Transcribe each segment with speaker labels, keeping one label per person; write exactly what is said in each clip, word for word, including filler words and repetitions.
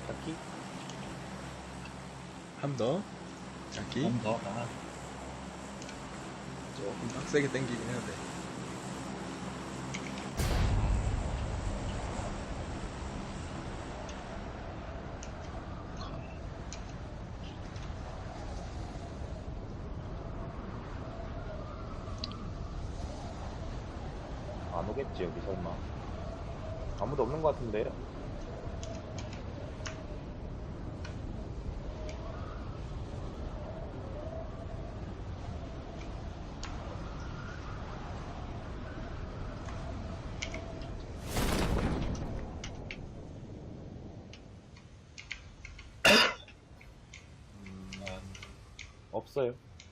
Speaker 1: 딱히
Speaker 2: 한 더. 자기.
Speaker 3: 한 더. 아,
Speaker 2: 조금 빡세게 당기긴 해야 돼.
Speaker 1: 안 오겠지 여기 설마. 아무도 없는 것 같은데. 음, 없어요.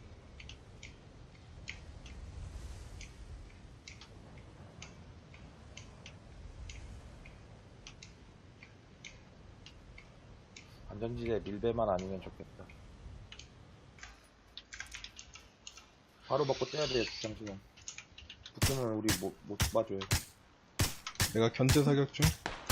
Speaker 1: 안전지대 밀배만 아니면 좋겠다. 바로 먹고 떼야 돼요, 잠시만. 붙으면 우리 못, 못 봐줘요.
Speaker 2: 내가 견제 사격 중.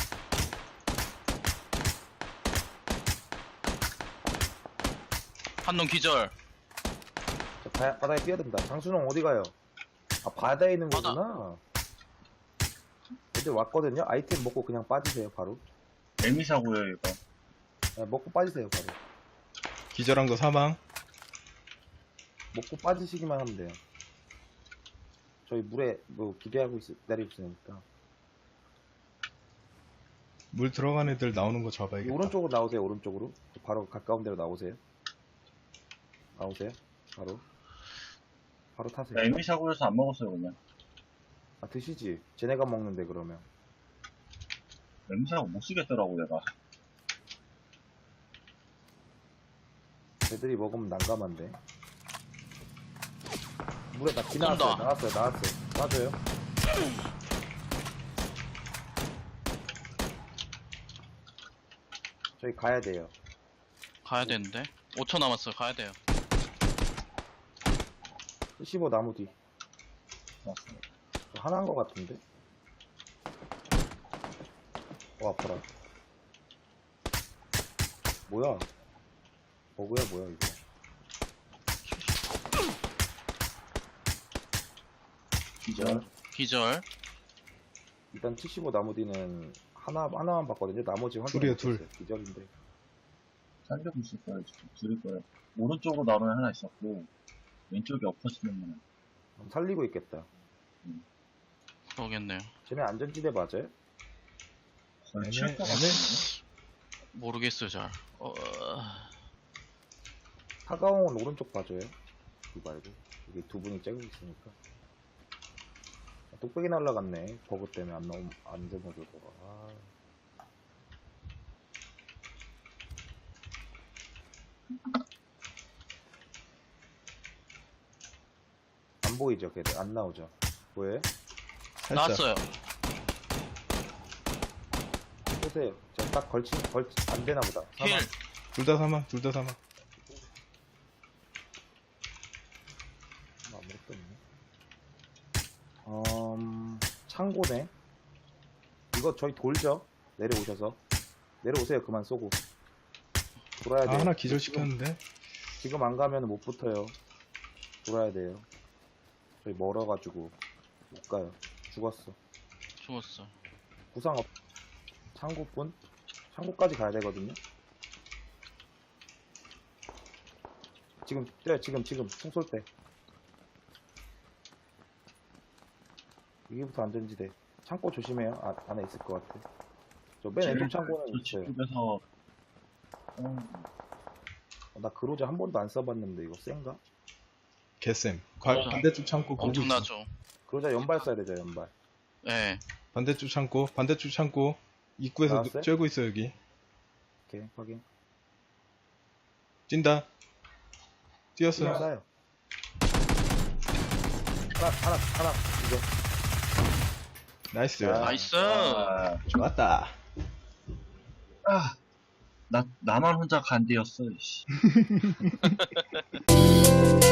Speaker 4: 한 놈 기절.
Speaker 1: 저 바, 바다에 뛰어든다. 장순홍 어디 가요? 아, 바다에 있는
Speaker 4: 바다.
Speaker 1: 거구나. 애들 왔거든요? 아이템 먹고 그냥 빠지세요, 바로.
Speaker 3: 에미사고요, 이거.
Speaker 1: 네, 먹고 빠지세요, 바로.
Speaker 2: 기절한 거 사망.
Speaker 1: 먹고 빠지시기만 하면 돼요. 저희 물에 뭐 기대하고 있, 기다리고 있으니까.
Speaker 2: 물 들어간 애들 나오는 거
Speaker 1: 이
Speaker 2: 잡아야겠다.
Speaker 1: 오른쪽으로 나오세요, 오른쪽으로. 바로 가까운 데로 나오세요. 나오세요, 바로. 바로 타세요.
Speaker 3: 에미사고여서 안 먹었어요, 그냥.
Speaker 1: 아, 드시지. 쟤네가 먹는데, 그러면.
Speaker 3: 에미사고 못 쓰겠더라고, 내가.
Speaker 1: 쟤들이 먹으면 난감한데. 물에 나 지나갔어요.
Speaker 4: 온다.
Speaker 1: 나왔어요, 나왔어요. 놔줘요. 저희 가야 돼요.
Speaker 4: 가야 되는데. 오 초 남았어요. 가야 돼요.
Speaker 1: 십오 나무 뒤.
Speaker 3: 맞습니다.
Speaker 1: 저 하나인 것 같은데? 어, 아파라. 뭐야? 버그야, 뭐야, 이거.
Speaker 3: 기절.
Speaker 4: 기절.
Speaker 1: 일단 칠십오 나무 뒤는 하나, 하나만 봤거든요. 나머지 확인.
Speaker 2: 둘이에요, 둘.
Speaker 1: 기절인데.
Speaker 3: 살려고 있을 거예요, 지금. 둘일 거예요. 오른쪽으로 나오는 하나 있었고, 왼쪽에 엎어지는
Speaker 1: 그럼 살리고 있겠다.
Speaker 4: 그러겠네요.
Speaker 1: 쟤네 안전지대 맞아요?
Speaker 3: 거의
Speaker 2: 애매-
Speaker 3: 칠것
Speaker 2: 애매-
Speaker 3: 같은데?
Speaker 4: 모르겠어요, 잘. 어...
Speaker 1: 사가옹은 오른쪽 봐줘요. 이거 말고. 여기 두 분이 째고 있으니까. 아, 뚝배기 날라갔네. 버그 때문에 안 나옴, 안 되어주더라. 아. 안 보이죠, 걔들. 안 나오죠. 왜?
Speaker 2: 살짝.
Speaker 4: 나왔어요.
Speaker 1: 보세요. 저 딱 걸치, 걸치, 안 되나 보다.
Speaker 4: 힐.
Speaker 2: 둘 다 사망. 둘 다 사망.
Speaker 1: 아무것도 없네. 음, 창고네. 이거 저희 돌죠? 내려오셔서. 내려오세요. 그만 쏘고. 돌아야
Speaker 2: 아,
Speaker 1: 돼요.
Speaker 2: 하나 기절시켰는데.
Speaker 1: 지금 안 가면 못 붙어요. 돌아야 돼요. 저희 멀어가지고 못 가요. 죽었어.
Speaker 4: 죽었어.
Speaker 1: 부상 없. 창고뿐? 창고까지 가야 되거든요. 지금 뛰어요. 지금 지금 총 쏠 때. 여기부터 안전지대. 창고 조심해요. 아, 안에 있을 것 같아. 저 맨 왼쪽 창고는
Speaker 3: 저
Speaker 1: 있어요.
Speaker 3: 집에서, 어,
Speaker 1: 어, 나 그로자 한 번도 안 써봤는데 이거 센가?
Speaker 2: 개쌤. 관-
Speaker 4: 맞아.
Speaker 2: 반대쪽 창고 보고 있어.
Speaker 4: 엄청나죠.
Speaker 1: 그로자 연발 써야 되죠. 연발.
Speaker 4: 예.
Speaker 2: 반대쪽 창고. 반대쪽 창고. 입구에서
Speaker 1: 나왔어요?
Speaker 2: 쬐고 있어 여기.
Speaker 1: 오케이 확인.
Speaker 2: 찐다. 뛰었어.
Speaker 1: 그냥 쏴요. 하나 하나 하나 이거.
Speaker 2: 나이스.
Speaker 1: 아.
Speaker 4: 나이스.
Speaker 3: 아,
Speaker 2: 좋았다.
Speaker 3: 아, 나, 나만 혼자 간대였어, 이씨.